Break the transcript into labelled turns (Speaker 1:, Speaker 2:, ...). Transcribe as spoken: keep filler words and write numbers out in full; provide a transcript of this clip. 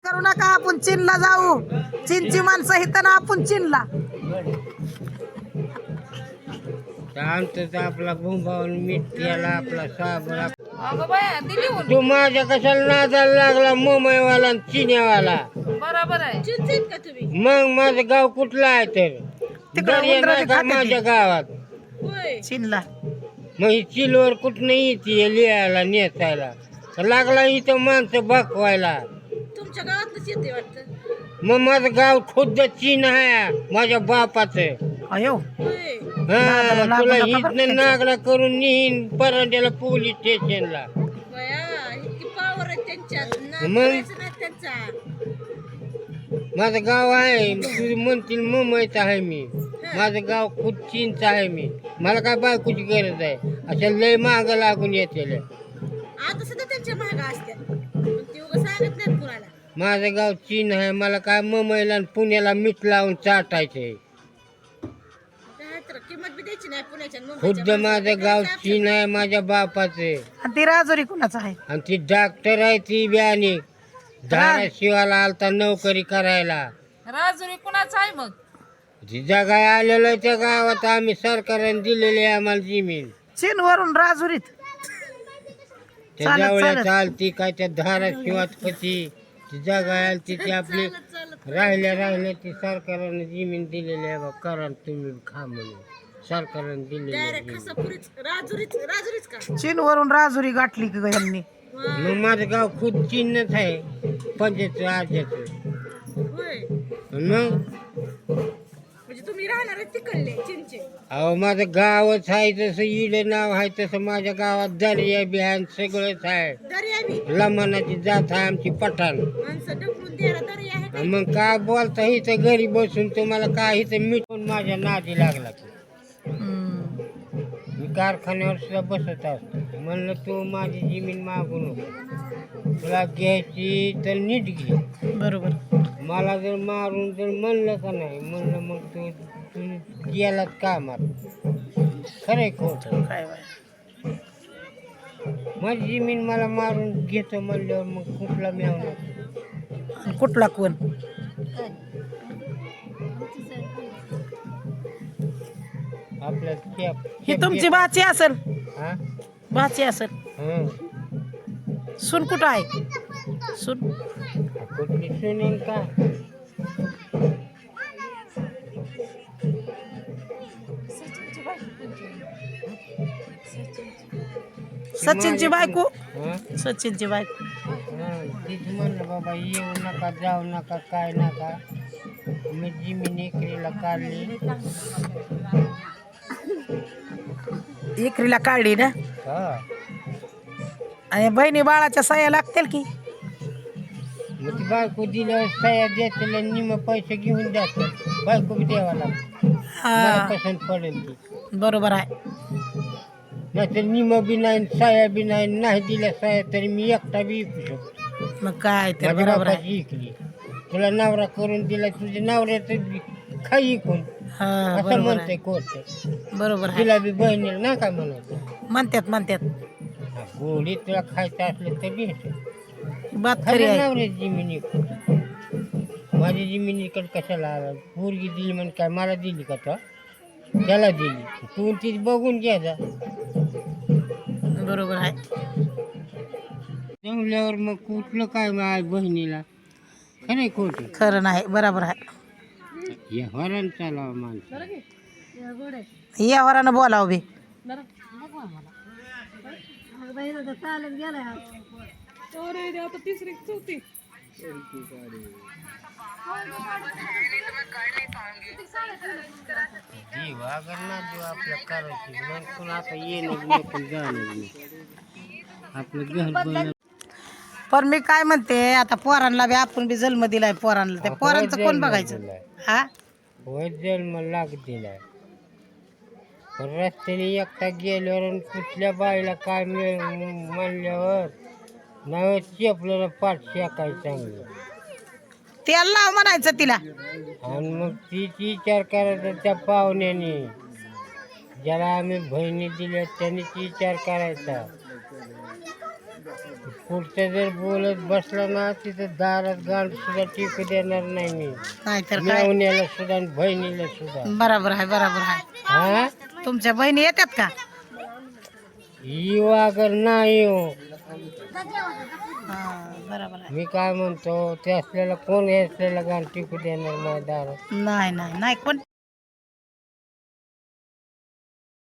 Speaker 1: करू नका, आपण चीनला जाऊ. चीनची माणसं इथं ना, आपण चीनला.
Speaker 2: शांत आपला भुंबावून मीठ केला आपला साबण.
Speaker 3: अगं बाया दिली होऊन.
Speaker 2: तू माझ्या कशाला नादाला लागला मुंबईवाला आणि चिन्यावाला.
Speaker 3: बरोबर आहे. चिंचित का तुम्ही?
Speaker 2: मग माझं गाव कुठलं आहे तर
Speaker 1: तिकडं
Speaker 2: दर्या
Speaker 1: उंदराची
Speaker 2: नाही का
Speaker 1: खाते ती.
Speaker 2: माझ्या गावात.
Speaker 3: होय.
Speaker 1: चीनला
Speaker 2: मग ही चिलवर कुठं येते लिहायला नेसायला तर लागला इथं माणसं बकवायला.
Speaker 3: तुमच्या गावातच येते वाटतं.
Speaker 2: मग माझं गाव खुद्द चीन आहे माझ्या बापाचं.
Speaker 1: अयो
Speaker 3: होय.
Speaker 2: हा
Speaker 1: लागू
Speaker 2: तुला
Speaker 1: नका बरं
Speaker 2: इथनं नागडा करून नेईन परांड्याला पोलीस स्टेशनला.
Speaker 3: बया इतकी पावर आहे त्यांच्यात. नाद
Speaker 2: मग?
Speaker 3: करायचं नाही त्यांचा.
Speaker 2: माझं गाव आहे तुझी म्हणतील मुंबईचं आहे मी. माझं गाव खुद चीनचं आहे मी. मला काय बायकोची गरज आहे अशा लय मागं लागून येते.
Speaker 3: आता सुद्धा त्यांच्या महागा असत्या पण ती उगा सांगत नाहीत कुणाला.
Speaker 2: माझं गाव चीन आहे. मला काय मुंबईला आणि पुण्याला मीठ लावून चाटायचंय.
Speaker 3: काय तर किंमत बी द्यायची नाही पुण्याच्या आणि
Speaker 2: खुद्द
Speaker 3: मुंबईच्या
Speaker 2: माझं
Speaker 3: माणसाला.
Speaker 2: गाव चीन आहे माझ्या बापाचे.
Speaker 1: आणि ती राजुरी कुणाचं आहे?
Speaker 2: आणि ती डॉक्टर आहे ती बियाणी धाराशिवाला आलता नोकरी करायला.
Speaker 3: राजुरी कुणाचा आहे मग?
Speaker 2: जी जगाय आलेलो आहे त्या गावात आम्ही सरकारने दिलेली आहे आम्हाला जमीन.
Speaker 1: चीन वरून राजुरीत
Speaker 2: त्या
Speaker 1: चालत-
Speaker 2: जवळ्या
Speaker 1: चालत.
Speaker 2: चालती काय त्या धाराशिवात कधी ती जगाय आलती ती आपली राहिल्या राहिल्या ती सरकारने जमीन दिलेली आहे बा. करा तुम्ही खा म्हणून सरकारने दिलेली आहे
Speaker 3: डायरेक्ट
Speaker 2: जमीन.
Speaker 3: खासापुरीच राजुरीच राजुरीच का?
Speaker 1: चीन वरून राजुरी गाठली की ग यांनी.
Speaker 2: मग माझं गाव खुद चिन्हच आहे पंचायत राज्याचं.
Speaker 3: होय.
Speaker 2: मग
Speaker 3: म्हणजे तुम्ही राहणार आहे तिकडले चिंचे.
Speaker 2: अहो माझं गावच आहे तसं इडं नाव आहे तसं माझ्या गावात दर्या बिहान सगळंच आहे.
Speaker 3: दर्या बी
Speaker 2: लमानाची जात आहे आमची पठाण.
Speaker 3: माणसं ढकलून द्यायला दर्या आहे का?
Speaker 2: मग काय बोलता इथं घरी बसून तुम्हाला काय इथं मिटून माझ्या नादी लागला की.
Speaker 1: हम्म.
Speaker 2: मी कारखान्यावर सुद्धा बसत असतो. म्हणलं तू माझी जमीन मागू नको तुला घ्यायची तर नीट घे.
Speaker 1: बरोबर.
Speaker 2: मला जर मारून जर म्हणलं का नाही म्हणलं मग तू तू गेलात कामात खरंय खोट.
Speaker 1: काय बाय.
Speaker 2: माझी जमीन मला मारून घेतो म्हणल्यावर मग कुठला मिळवणार.
Speaker 1: आणि कुठला कोण?
Speaker 2: आपल्या
Speaker 1: ही तुमची बाची असेल.
Speaker 2: हा
Speaker 1: बाची असेल.
Speaker 2: हं.
Speaker 1: सून कुठं आहे? सून
Speaker 2: कुठली सुनेल का
Speaker 1: सचिनची बायको.
Speaker 2: हं?
Speaker 1: सचिनची बायको.
Speaker 2: हं. तीच म्हणलं बाबा येऊ नका जाऊ नका काय नका. मी जमीन इकरीला काढली.
Speaker 1: इकरीला काढली ना.
Speaker 2: हा
Speaker 1: आणि बहिणी बाळाच्या सह्या लागतील की.
Speaker 2: मग ती बायको दिल्यावर सह्या देतील आणि निम पैसे घेऊन द्यायचं. बायको बी द्यावा लागतो. मला
Speaker 1: हा
Speaker 2: पसंत पडेल ती.
Speaker 1: बरोबर आहे.
Speaker 2: नाहीतर निम बी नाही सह्या बी नाही नाही दिल्या सह्या तरी मी एकटा बी विकू शकतो.
Speaker 1: मग काय तर
Speaker 2: माझ्या
Speaker 1: बरोबर आहे.
Speaker 2: बापाची इकली तुला नवरा करून दिला तुझ्या नवऱ्याचं खाई कोण
Speaker 1: हा
Speaker 2: असं
Speaker 1: बरोबर
Speaker 2: म्हणतंय
Speaker 1: आहे.
Speaker 2: कोर्ट.
Speaker 1: बरोबर आहे.
Speaker 2: तिला बी बहिणीला ना काय म्हणत
Speaker 1: म्हणतात म्हणतात.
Speaker 2: गोडी तुला खायचं असलं तर भेट.
Speaker 1: बात खरी आहे.
Speaker 2: नवऱ्याची जमीन इकडे माझी जमीन इकडे कशाला आला. पोरगी दिली म्हण काय मला दिली का तो त्याला दिली तू ती बघून घ्यायचा.
Speaker 1: बरोबर आहे.
Speaker 2: जमल्यावर मग कुठलं काय माझ्या बहिणीला खरं खोट
Speaker 1: खरं नाही. बरोबर आहे.
Speaker 2: या हरण चालावं माणसं.
Speaker 1: या वरानं बोलावं बी.
Speaker 2: जीव अगर ना जीव आपल्या करायची मग पण आता येणं नको जाणं नको. आपलं घर बनलं.
Speaker 1: पण मी काय म्हणते आता पोरांना बी आपण बी जन्म दिलाय पोरांना. त्या पोरांचं कोण बघायचं? हा
Speaker 2: होय जन्म लाग दिलाय पण रस्त्याने एकटा गेल्यावर आणि कुठल्या बाईला काय मिळ म्हणल्यावर नाव चेपलं पाठ शेकाय चांगलं.
Speaker 1: त्याला लाव म्हणायचं तिला.
Speaker 2: आणि मग तीच विचार करायचा त्या पाहुण्याने ज्याला आम्ही बहिणी दिल्या त्यांनीच विचार करायचा. पुढचं जर बोलत बसला ना तिथं दारात गाण सुद्धा टिकू देणार नाही मी.
Speaker 1: नाहीतर काय.
Speaker 2: मेवण्याला सुद्धा आणि बहिणीला सुद्धा.
Speaker 1: बरोबर आहे बरोबर आहे.
Speaker 2: हा
Speaker 1: तुमच्या बहिणी येतात का?
Speaker 2: येऊ अगर नाही येऊ.
Speaker 1: हा बरोबर आहे.
Speaker 2: मी काय म्हणतो ते असलेला कोण हे असलेला गाण टिकू देणार नाही दारात.
Speaker 1: नाही नाही नाही कोण